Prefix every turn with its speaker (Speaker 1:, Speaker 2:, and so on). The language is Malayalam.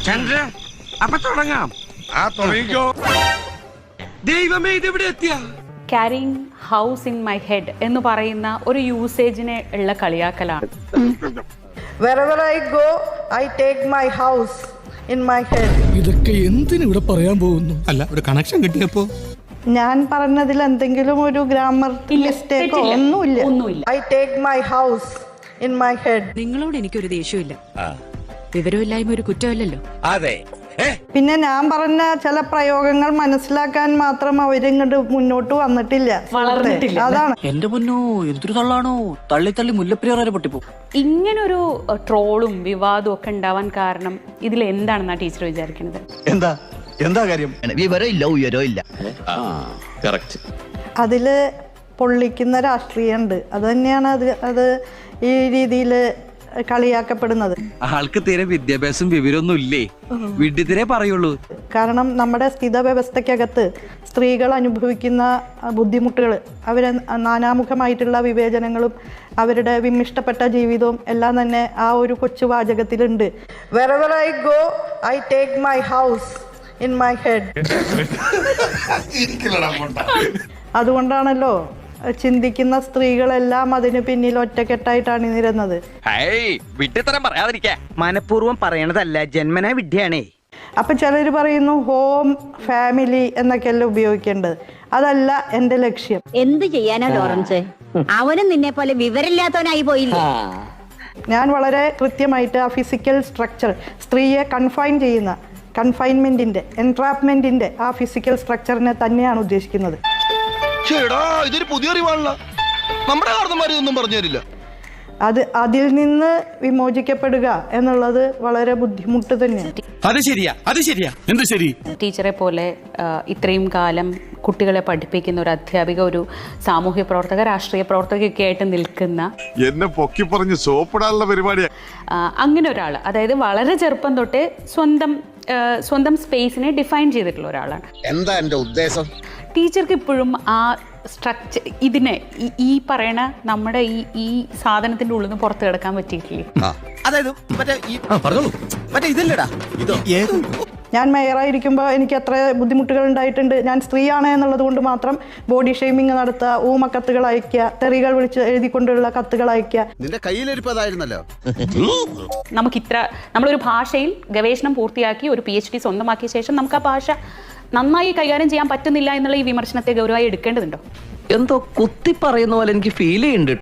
Speaker 1: ചന്ദ്ര അപ്പൊ തുടങ്ങാം. തുടങ്ങിക്കോ. ദൈവമേ ഇതെവിടെ എത്തിയ
Speaker 2: caring house in my head എന്ന് പറയുന്ന ഒരു യൂസേജിനെ ഉള്ള കളിയാക്കലാണ്.
Speaker 3: Wherever I go, I take my house in my head.
Speaker 4: ഇതൊക്കെ എന്തിനു ഇവിടെ പറയാൻ പോകുന്നു? അല്ല, ഒരു കണക്ഷൻ കിട്ടിയപ്പോ
Speaker 3: ഞാൻ പറഞ്ഞതിൽ എന്തെങ്കിലും ഒരു ഗ്രാമർ മിസ്റ്റേക്കോ ഒന്നുമില്ല. I take my house in my head.
Speaker 5: നിങ്ങളോട് എനിക്കൊരു ദേഷ്യമില്ല. വിവരമില്ലായ്മ ഒരു കുറ്റമല്ലല്ലോ.
Speaker 1: അതെ.
Speaker 3: പിന്നെ ഞാൻ പറഞ്ഞ ചില പ്രയോഗങ്ങൾ മനസ്സിലാക്കാൻ മാത്രം അവരിങ്ങോട്ട് മുന്നോട്ട് വന്നിട്ടില്ല,
Speaker 2: വളർന്നിട്ടില്ല.
Speaker 3: അതാണ്.
Speaker 6: എന്റെ പൊന്നോ, എന്തൊരു തള്ളാണോ, തള്ളി തള്ളി മുല്ലപ്പെരിയാർ പൊട്ടിപ്പോ.
Speaker 2: ഇങ്ങനൊരു ട്രോളും വിവാദവും ഒക്കെ ഉണ്ടാവാൻ കാരണം ഇതിൽ എന്താണെന്നാ ടീച്ചർ വിചാരിക്കുന്നത്?
Speaker 7: എന്താ കാര്യം? വിവരമില്ല, ഉയരമില്ല.
Speaker 3: അതില് പൊള്ളിക്കുന്ന രാഷ്ട്രീയമുണ്ട്. അത് തന്നെയാണ് അത് ഈ രീതിയിൽ കളിയാക്കപ്പെടുന്നത്.
Speaker 1: ആൾക്ക് തീരെ വിദ്യാഭ്യാസം വിവരമൊന്നും ഇല്ലേ, വിഡ്ഢിത്തിരെ പറയുള്ളൂ.
Speaker 3: കാരണം നമ്മുടെ സ്ഥിത വ്യവസ്ഥയ്ക്കകത്ത് സ്ത്രീകൾ അനുഭവിക്കുന്ന ബുദ്ധിമുട്ടുകൾ, അവരെ നാനാമുഖമായിട്ടുള്ള വിവേചനങ്ങളും അവരുടെ വിമിഷ്ടപ്പെട്ട ജീവിതവും എല്ലാം തന്നെ ആ ഒരു കൊച്ചു വാചകത്തിലുണ്ട്. Wherever I go, I take my house in my head. അതുകൊണ്ടാണല്ലോ ചിന്തിക്കുന്ന സ്ത്രീകളെല്ലാം അതിന് പിന്നിൽ ഒറ്റക്കെട്ടായിട്ടാണ് അണിനിരുന്നത്.
Speaker 8: മനഃപൂർവ്വം പറയണതല്ല, ജന്മനാ വിദ്യയാണേ.
Speaker 3: അപ്പൊ ചിലർ പറയുന്നു ഹോം ഫാമിലി എന്നൊക്കെയല്ല ഉപയോഗിക്കേണ്ടത്. അതല്ല എന്റെ ലക്ഷ്യം.
Speaker 9: എന്ത് ചെയ്യാനാ ലോറൻസ്, അവനും നിന്നെ പോലെ വിവരമില്ലാത്തവനായി പോയില്ലേ.
Speaker 3: ഞാൻ വളരെ കൃത്യമായിട്ട് ആ ഫിസിക്കൽ സ്ട്രക്ചർ, സ്ത്രീയെ കൺഫൈൻ ചെയ്യുന്ന കൺഫൈൻമെന്റിന്റെ എൻട്രാപ്മെന്റിന്റെ ആ ഫിസിക്കൽ സ്ട്രക്ചറിനെ തന്നെയാണ് ഉദ്ദേശിക്കുന്നത്.
Speaker 7: ഇതൊരു പുതിയ അറിവാണല്ലോ, നമ്മുടെ കാരണന്മാരൊന്നും പറഞ്ഞു തരില്ല.
Speaker 3: അതിൽ നിന്ന് വിമോചിക്കപ്പെടുക എന്നുള്ളത് വളരെ ബുദ്ധിമുട്ട് തന്നെയാണ്.
Speaker 4: അത് ശരിയാ, അത് ശരിയാ. എന്ത് ശരി?
Speaker 2: ടീച്ചറെ പോലെ ഇത്രയും കാലം കുട്ടികളെ പഠിപ്പിക്കുന്ന ഒരു അധ്യാപിക, ഒരു സാമൂഹ്യ പ്രവർത്തക, രാഷ്ട്രീയ പ്രവർത്തകയൊക്കെ ആയിട്ട് നിൽക്കുന്ന,
Speaker 10: എന്നെ പൊക്കി പറഞ്ഞ് സോപ്പിടാനുള്ള പരിപാടിയാണ്.
Speaker 2: അങ്ങനെ ഒരാൾ, അതായത് വളരെ ചെറുപ്പം തൊട്ടേ സ്വന്തം സ്പേസിനെ ഡിഫൈൻ ചെയ്തിട്ടുള്ള ഒരാളാണ്.
Speaker 7: എന്താ എന്റെ ഉദ്ദേശം?
Speaker 2: ടീച്ചർക്ക് ഇപ്പോഴും ആ സ്ട്രക്ചർ, ഇതിനെ ഈ പറയണ നമ്മുടെ ഈ സാധനത്തിന്റെ ഉള്ളിൽ നിന്ന് പുറത്ത് കിടക്കാൻ പറ്റിയിട്ടില്ലേ?
Speaker 8: അതായത് മറ്റേ ഇതില്ലടാ,
Speaker 3: ഞാൻ മേയറായിരിക്കുമ്പോൾ എനിക്ക് എത്ര ബുദ്ധിമുട്ടുകൾ ഉണ്ടായിട്ടുണ്ട്. ഞാൻ സ്ത്രീയാണ് എന്നുള്ളത് കൊണ്ട് മാത്രം ബോഡി ഷെയ്മിങ് നടത്തുക, ഊമക്കത്തുകൾ അയക്കുക, തെറികൾ വിളിച്ച് എഴുതിക്കൊണ്ടുള്ള കത്തുകൾ അയക്കുക.
Speaker 7: നിന്റെ കയ്യിലിരിപ്പതായിരുന്നല്ലോ.
Speaker 2: നമ്മളൊരു ഭാഷയിൽ ഗവേഷണം പൂർത്തിയാക്കി ഒരു PhD സ്വന്തമാക്കിയ ശേഷം നമുക്ക് ആ ഭാഷ നന്നായി കൈകാര്യം ചെയ്യാൻ പറ്റുന്നില്ല എന്നുള്ള ഈ വിമർശനത്തെ ഗൗരവമായി എടുക്കേണ്ടതുണ്ടോ?
Speaker 6: എന്തോ കുത്തി പറയുന്ന പോലെ എനിക്ക് ഫീൽ ചെയ്യുന്നുണ്ട്.